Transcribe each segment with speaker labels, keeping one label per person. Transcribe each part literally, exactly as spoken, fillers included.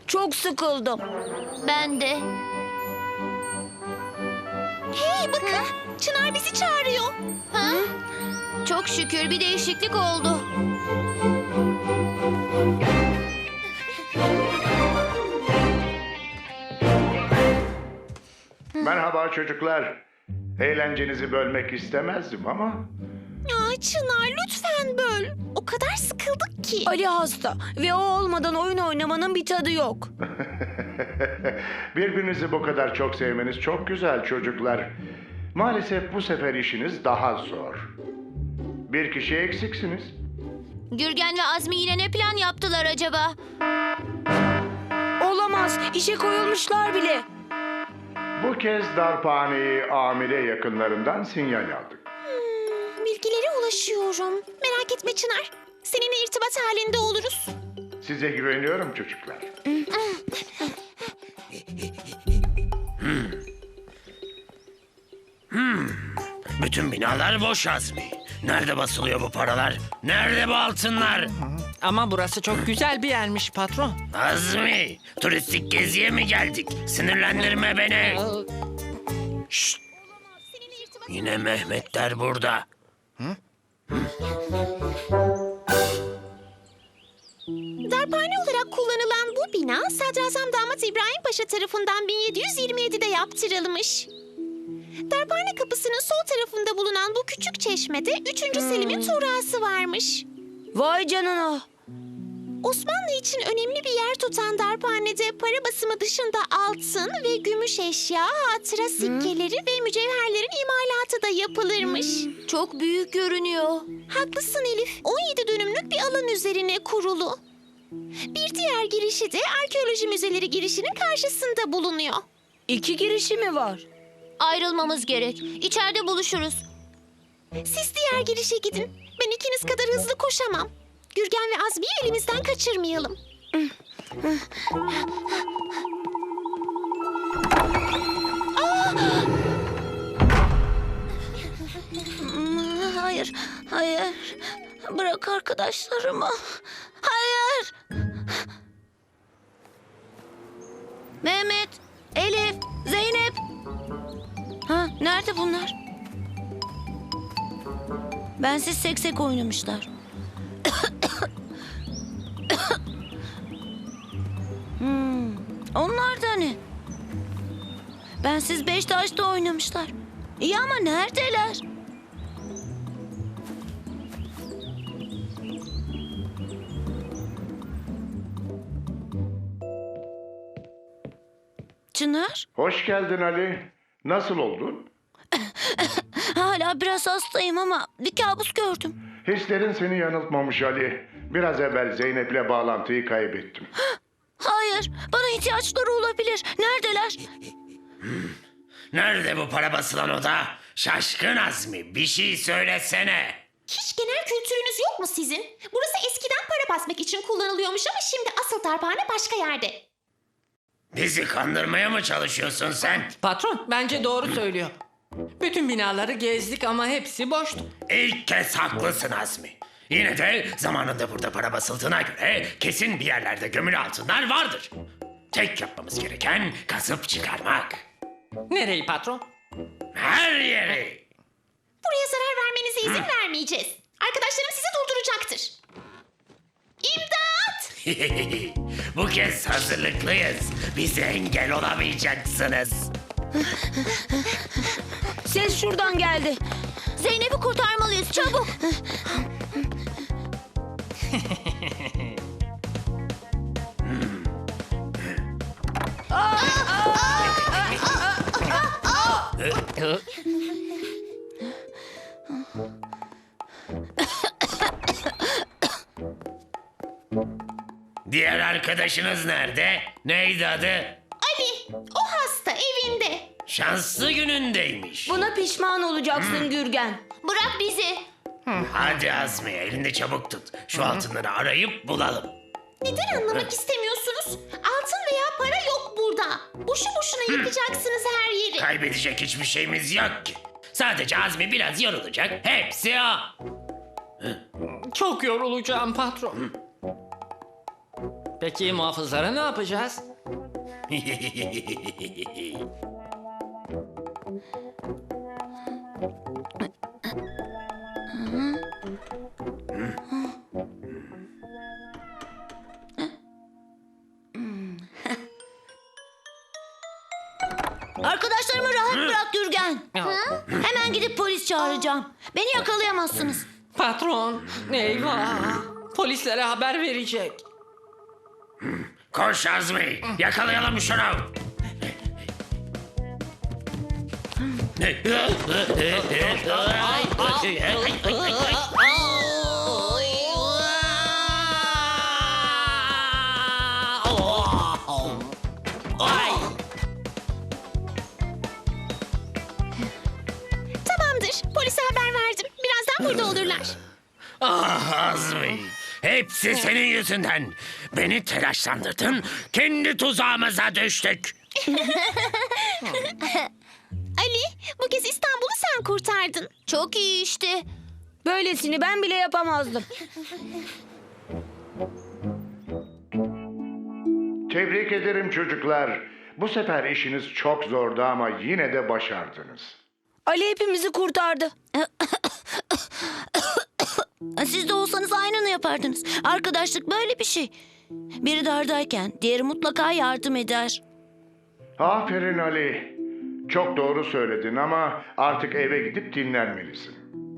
Speaker 1: Çok sıkıldım.
Speaker 2: Ben de.
Speaker 3: Hey bakın, Çınar bizi çağırıyor.
Speaker 2: Ha? Çok şükür bir değişiklik oldu.
Speaker 4: Merhaba çocuklar. Eğlencenizi bölmek istemezdim ama...
Speaker 3: Aa, Çınar lütfen böl. O kadar sıkıldık ki.
Speaker 1: Ali hasta ve o olmadan oyun oynamanın bir tadı yok.
Speaker 4: Birbirinizi bu kadar çok sevmeniz çok güzel çocuklar. Maalesef bu sefer işiniz daha zor. Bir kişi eksiksiniz.
Speaker 2: Gürgen ve Azmi yine ne plan yaptılar acaba?
Speaker 1: Olamaz. İşe koyulmuşlar bile.
Speaker 4: Bu kez darphaneyi amire yakınlarından sinyal aldık.
Speaker 3: Hmm, bilgilere ulaşıyorum. Merak etme Çınar. Seninle irtibat halinde oluruz.
Speaker 4: Size güveniyorum çocuklar.
Speaker 5: Bütün binalar boş Azmi. Nerede basılıyor bu paralar? Nerede bu altınlar?
Speaker 6: Ama burası çok güzel bir yermiş patron.
Speaker 5: Azmi, turistik geziye mi geldik? Sinirlendirme beni. Şşt,
Speaker 3: Seninle irtibat...
Speaker 5: yine Mehmetler burada.
Speaker 3: Darphane olarak kullanılan bu bina Sadrazam Damat İbrahim Paşa tarafından bin yedi yüz yirmi yedide yaptırılmış. Darphane kapısının sol tarafında bulunan bu küçük çeşmede üçüncü Selim'in tuğrası varmış.
Speaker 1: Vay canına.
Speaker 3: Osmanlı için önemli bir yer tutan darphanede para basımı dışında altın ve gümüş eşya, hatıra sikkeleri ve mücevherlerin imalatı da yapılırmış.
Speaker 2: Çok büyük görünüyor.
Speaker 3: Haklısın Elif. on yedi dönümlük bir alan üzerine kurulu. Bir diğer girişi de arkeoloji müzeleri girişinin karşısında bulunuyor.
Speaker 1: İki girişi mi var?
Speaker 2: Ayrılmamız gerek. İçeride buluşuruz.
Speaker 3: Siz diğer girişe gidin. Ben ikiniz kadar hızlı koşamam. Gürgen ve Azmi'yi elimizden kaçırmayalım.
Speaker 1: Hmm, Hayır, hayır. Bırak arkadaşlarımı. Hayır. Mehmet, Elif, Zeynep. Ha, nerede bunlar? Bensiz seksek oynamışlar. hmm, onlar da ne? Bensiz beş taşta oynamışlar. İyi ama neredeler? Çınar,
Speaker 4: Hoş geldin Ali. Nasıl oldun?
Speaker 1: hala biraz hastayım ama bir kabus gördüm.
Speaker 4: Hislerin seni yanıltmamış Ali. Biraz evvel Zeynep'le bağlantıyı kaybettim.
Speaker 1: Hayır, bana ihtiyaçları olabilir. Neredeler?
Speaker 5: Nerede bu para basılan oda? Şaşkın Azmi, bir şey söylesene.
Speaker 3: Hiç genel kültürünüz yok mu sizin? Burası eskiden para basmak için kullanılıyormuş ama şimdi asıl darphane başka yerde.
Speaker 5: Bizi kandırmaya mı çalışıyorsun sen?
Speaker 6: Patron bence doğru söylüyor. Bütün binaları gezdik ama hepsi boştu.
Speaker 5: İlk kez haklısın Azmi. Yine de zamanında burada para basıldığına göre kesin bir yerlerde gömülü altınlar vardır. Tek yapmamız gereken kazıp çıkarmak.
Speaker 6: Nereyi patron?
Speaker 5: Her yeri.
Speaker 3: Buraya zarar vermenize izin vermeyeceğiz. Arkadaşlarım sizi durduracaktır. İmdat!
Speaker 5: Bu kez hazırlıklıyız. Bize engel olamayacaksınız.
Speaker 1: Ses şuradan geldi.
Speaker 2: Zeynep'i kurtarmalıyız çabuk.
Speaker 5: Diğer arkadaşınız nerede? Neydi adı?
Speaker 3: Ali, o hasta evinde.
Speaker 5: Şanslı günündeymiş.
Speaker 1: Buna pişman olacaksın Gürgen.
Speaker 2: Bırak bizi.
Speaker 5: Hadi Azmi, elini çabuk tut. Şu altınları arayıp bulalım.
Speaker 3: Neden anlamak istemiyorsunuz? Altın veya para yok burada. Boşu boşuna yıkacaksınız her yeri.
Speaker 5: Kaybedecek hiçbir şeyimiz yok ki. Sadece Azmi biraz yorulacak. Hepsi o.
Speaker 6: Çok yorulacağım patron. Peki muhafızlara ne yapacağız?
Speaker 1: Arkadaşlarımı rahat bırak Gürgen. Hemen gidip polis çağıracağım. Beni yakalayamazsınız.
Speaker 6: Patron, eyvah. Polislere haber verecek.
Speaker 5: Koş Azmi, yakalayalım şunu.
Speaker 3: Tamamdır. Polise haber verdim. Birazdan burada olurlar.
Speaker 5: Ah Azmi, hepsi senin yüzünden. Beni telaşlandırdın, kendi tuzağımıza düştük.
Speaker 3: Ali, bu kez İstanbul'u sen kurtardın.
Speaker 2: Çok iyi işte.
Speaker 1: Böylesini ben bile yapamazdım.
Speaker 4: Tebrik ederim çocuklar. Bu sefer işiniz çok zordu ama yine de başardınız.
Speaker 1: Ali hepimizi kurtardı. Siz de olsanız aynını yapardınız. Arkadaşlık böyle bir şey. Biri dardayken diğeri mutlaka yardım eder.
Speaker 4: Aferin Ali. Çok doğru söyledin ama artık eve gidip dinlenmelisin.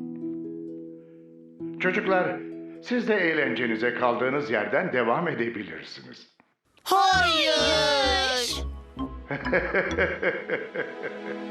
Speaker 4: Çocuklar, siz de eğlencenize kaldığınız yerden devam edebilirsiniz.
Speaker 1: Hayır.